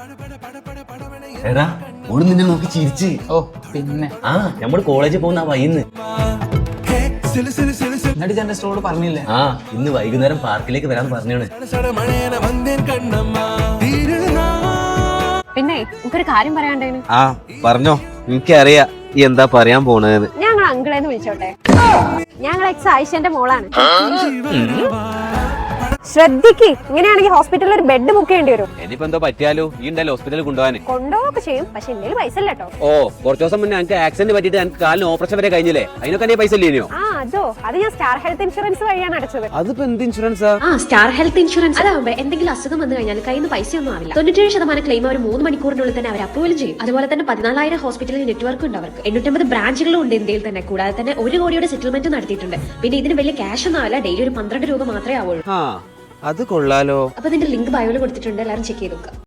എടാ ഓള് നിന്നെ നോക്കി ചിരിച്ച്. ഓ പിന്നെ നമ്മള് കോളേജിൽ പോകുന്ന വൈന്ന്. എന്നിട്ട് എന്റെ സ്റ്റോള് പറഞ്ഞില്ലേ? ഇന്ന് വൈകുന്നേരം പാർക്കിലേക്ക് വരാൻ പറഞ്ഞാണ്. പിന്നെ എനിക്കൊരു കാര്യം പറയാണ്ടേന്. പറഞ്ഞോ, എനിക്കറിയാ ഈ എന്താ പറയാൻ പോണെന്ന്. ഞങ്ങൾ അങ്കിളേന്ന് വിളിച്ചോട്ടെ? ഞങ്ങൾ എക്സ് ആയിഷന്റെ മോളാണ്. ശ്രദ്ധിക്ക്, ഇങ്ങനെയാണെങ്കിൽ ഹോസ്പിറ്റലിൽ ഒരു ബെഡ് ബുക്ക് ചെയ്യേണ്ടി വരും. ഇനിയിപ്പോ എന്തോ പറ്റിയാലോ ഈ ഉണ്ടല്ലോ ഹോസ്പിറ്റലിൽ കൊണ്ടുപോകാൻ. കൊണ്ടുപോകൊക്കെ ചെയ്യും, പക്ഷെ എന്റെ പൈസ ഇല്ല കേട്ടോ. കുറച്ച് ദിവസം മുന്നേ എനിക്ക് ആക്സിഡന്റ് പറ്റിയിട്ട് എനിക്ക് കാലിന് ഓപ്പറേഷൻ വരെ കഴിഞ്ഞില്ലേ, അതിനൊക്കെ എന്റെ പൈസ ഇല്ലയോ? അത് ഞാൻ സ്റ്റാർ ഹെൽത്ത് ഇൻഷുറൻസ് വഴിയാണ് അടച്ചത്. അതിപ്പോ എന്ത് ഇൻഷുറൻസാ? സ്റ്റാർ ഹെൽത്ത് ഇൻഷുറൻസ് അതാവുമ്പോ എന്തെങ്കിലും അസുഖം വന്നു കഴിഞ്ഞാൽ കയ്യിൽ നിന്ന് പൈസ ഒന്നും ആവില്ല. 97% ക്ലെയിം അവർ 3 മണിക്കൂറിനുള്ളിൽ തന്നെ അവർ അപ്രൂവൽ ചെയ്യും. അതുപോലെ തന്നെ 14,000 ഹോസ്പിറ്റൽ നെറ്റ്വർക്ക് ഉണ്ട് അവർക്ക്. 850 ബ്രാഞ്ചുകളും ഉണ്ട് ഇന്ത്യയിൽ തന്നെ. കൂടാതെ തന്നെ 1 കോടിയുടെ സെറ്റിൽമെന്റ് നടത്തിയിട്ടുണ്ട്. പിന്നെ ഇതിന് വലിയ ക്യാഷ് ഒന്നും ആവില്ല, ഡെയിലി ഒരു 12 രൂപ മാത്രമേ ആവുള്ളൂ. അത് കൊള്ളാലോ. അപ്പൊ ഇതിന്റെ ലിങ്ക് ബയോയിൽ കൊടുത്തിട്ടുണ്ട്, എല്ലാവരും ചെക്ക് ചെയ്ത് നോക്കുക.